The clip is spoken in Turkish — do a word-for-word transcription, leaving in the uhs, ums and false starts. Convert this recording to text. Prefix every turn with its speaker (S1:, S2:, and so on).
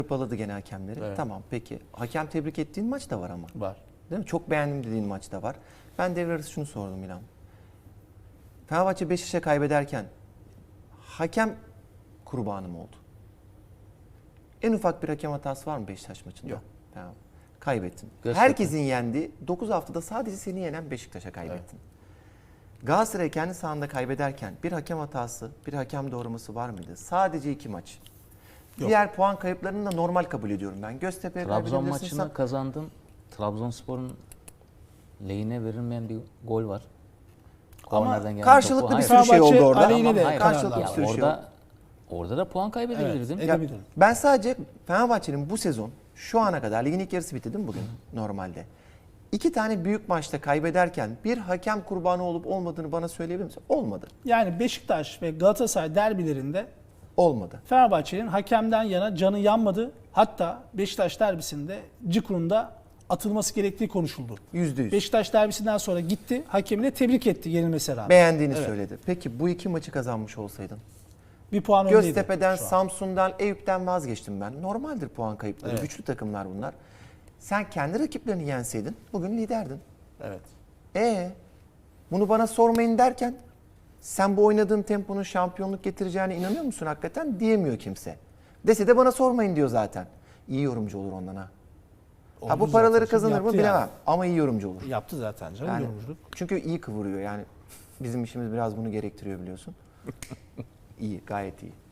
S1: Hırpaladı gene hakemleri.
S2: Evet.
S1: Tamam peki. Hakem tebrik ettiğin maç da var ama.
S2: Var.
S1: Değil mi? Çok beğendim dediğin maç da var. Ben devre arası şunu sordum İlhan. Fenerbahçe Beşiktaş'a kaybederken hakem kurbanı mı oldu? En ufak bir hakem hatası var mı Beşiktaş maçında?
S2: Yok.
S1: Tamam. Kaybettin.
S2: Göztepe.
S1: Herkesin yendiği dokuz haftada sadece seni yenen Beşiktaş'a kaybettin. Galatasaray kendi sahanda kaybederken bir hakem hatası, bir hakem doğraması var mıydı? Sadece iki maç.
S3: Yok.
S1: Diğer puan kayıplarını da normal kabul ediyorum ben. Göztepe'ye
S4: Trabzon
S1: kaybedebilirsin.
S4: maçını kazandın. Trabzonspor'un lehine verilmeyen bir gol var.
S1: Ama
S4: Kornerden gelen
S1: karşılıklı
S4: topu-
S1: bir
S4: Hayır.
S1: sürü şey oldu orada.
S3: aleyhine
S4: Tamam,
S3: de
S4: hayır.
S1: Karşılıklı
S3: kararlar
S1: bir
S3: var.
S1: sürü şey
S4: orada orada da puan kaybedebilirdin.
S3: Evet,
S1: Ya,
S3: edebilirim.
S1: ben sadece Fenerbahçe'nin bu sezon şu ana kadar ligin ilk yarısı bitti değil mi bugün normalde? İki tane büyük maçta kaybederken bir hakem kurbanı olup olmadığını bana söyleyebilir misin? Olmadı.
S3: Yani Beşiktaş ve Galatasaray derbilerinde
S1: Olmadı.
S3: Fenerbahçe'nin hakemden yana canı yanmadı. Hatta Beşiktaş derbisinde Cikur'unda atılması gerektiği konuşuldu.
S1: Yüzde yüz.
S3: Beşiktaş derbisinden sonra gitti, hakemine tebrik etti yenilmesine rağmen.
S1: Beğendiğini
S3: Evet.
S1: söyledi. Peki bu iki maçı kazanmış olsaydın?
S3: Bir puan öndeydi
S1: Göztepe'den,
S3: şu an.
S1: Samsun'dan, Eyüp'ten vazgeçtim ben. Normaldir puan kayıpları.
S3: Evet.
S1: Güçlü takımlar bunlar. Sen kendi rakiplerini yenseydin bugün liderdin.
S3: Evet.
S1: E bunu bana sormayın derken sen bu oynadığın temponun şampiyonluk getireceğine inanıyor musun hakikaten? Diyemiyor kimse. Dese de bana sormayın diyor zaten. İyi yorumcu olur ondan ha. Ha bu
S3: Oldu
S1: paraları
S3: zaten.
S1: kazanır mı
S3: Yaptı
S1: bilemem.
S3: yani.
S1: Ama iyi yorumcu olur.
S3: Yaptı zaten canım
S1: Yani,
S3: yorumculuk.
S1: çünkü iyi kıvırıyor yani. Bizim işimiz biraz bunu gerektiriyor biliyorsun. İyi, gayet iyi.